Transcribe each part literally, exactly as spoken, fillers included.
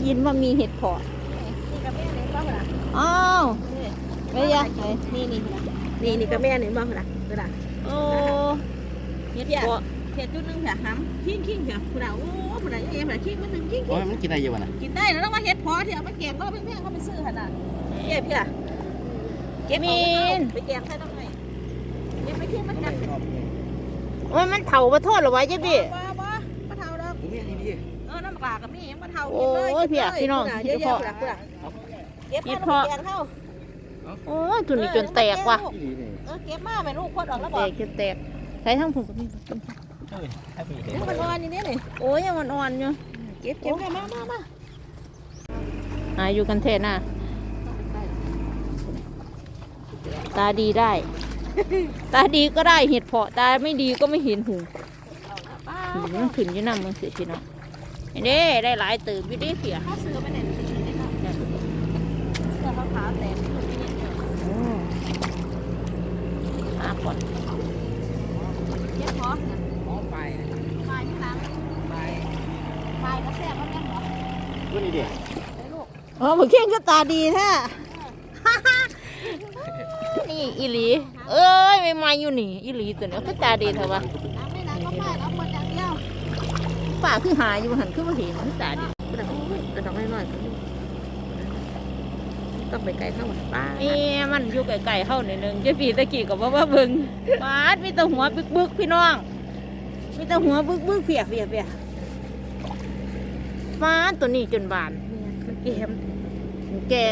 ยินว่ามีเห็ดเพาะนี่กับแม่เนี่ยบ้างเหรออ้าวไม่ยากนี่นี่นี่นี่กับแม่เนี่ยบ้างเหรอเวลาโอ้เห็ดเพาะเห็ดจุดนึงเถอะห้ำขิ้งขิ้งเถอะผู้ใดโอ้ผู้ใดยังไงผู้ใดขิ้งมันหนึ่งขิ้งโอ้ยมันกินได้เยอะวะนะกินได้แล้วต้องมาเห็ดเพาะที่เอาไปแกงก็เพื่อนๆเขาไปซื้อขนาดเก็บพี่อะเก็บมีนไปแกงใครต้องไงยังไม่ทิ้งมันกันโอ้ยมันเถามาโทษหรอวะเจ๊พี่บ้าบ้าบ้าเถาดอกนี่นี่พี่เออน้ำปลากับนี่ยังบ้าเถาโอ้ยพี่อะพี่น้องเห็ดเพาะเก็บเพาะโอ้ยจุดนี้จนแตกว่ะเออเก็บมาไปลูกคนออกแล้วบแตอกกจนแตกใช้ทั้งผงกับนี่มันอ่อนนี่นี่โอ้ยยังมันอ่อนอยู่เก็บเก็บมามามาหาอยู่กันเทศน่ะตาดีได้ ตาดีก็ได้เห็ดเพาะตาไม่ดีก็ไม่เห็นหูหูมันขึ้นอยู่น้ำมันเสียพี่น้องเด้ได้หลายตื่นวิธีเสียถ้าซื้อไปเนี่ยเสื้อขาวๆแต่ไม่ถูกนี่หาก่อนเก็บเพาะอ๋อไปไปที่หลังไปไปก็แซ่บก็แม่นหรอตัวนี้เด็กอ๋อเหมือนเข่งก็ตาดีแท้นี่อีหลีเอ้ยไม่มาอยู่นี่อีหลีตัวนี้ก็ตาดีเถอะวะน้ำไม่น้ำก็ไม่เอาคนอย่างเดียวป่าคือหายอยู่หันคือมาเห็นตาดีกระดองกระดองน้อยๆต้องไปไกลเท่าไหร่ป้าเอ๊ะมันอยู่ไกลๆเข้าหน่อยนึงเจ้าปีตะกี้กับว่าว่าเบิ่งปาดมีแต่หัวบึกๆพี่น้องมีแต่หัวบึกๆเฟียเฟียเฟียปาดตัวนี้จนบานมันเกมแก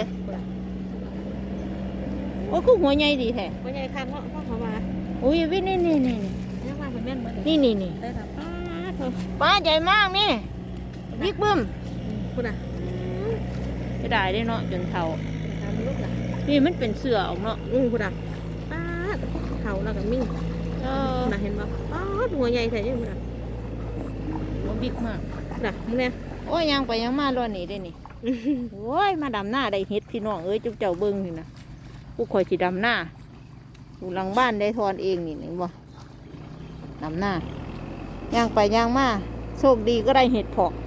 โอ้คือหัวใหญ่ดีแท้หัวใหญ่ข้างเนาะพ่อเขามาอุ้ยวินี่นี่นี่ยังมาเป็นแม่นเหมือนนี่นี่นี่ได้ครับป้าเธอป้าใหญ่มากนี่บิ๊กบึ้มคุณอ่ะจะได้ได้เนาะจนเท่าทำลูกอ่ะนี่มันเป็นเสือออกเนาะอือคุณอ่ะป้าเท่าแล้วกับมิ่งเออน่ะเห็นป่ะป้าหัวใหญ่แท้ยังคุณอ่ะหัวบิ๊กมากน่ะมึงเนี่ยโอ้ยยังไปยังมาล้อนี่ได้นี่โอ้ยมาดำหน้าได้เฮ็ดพี่น้องเอ้ยจุ๊บเจ้าเบิ้งนี่นะผู้คอยสีดำหน้าอยู่หลังบ้านได้ทอนเองนี่เห็นบ่ดำหน้าย่างไปย่างมาโชคดีก็ได้เห็ดเพาะ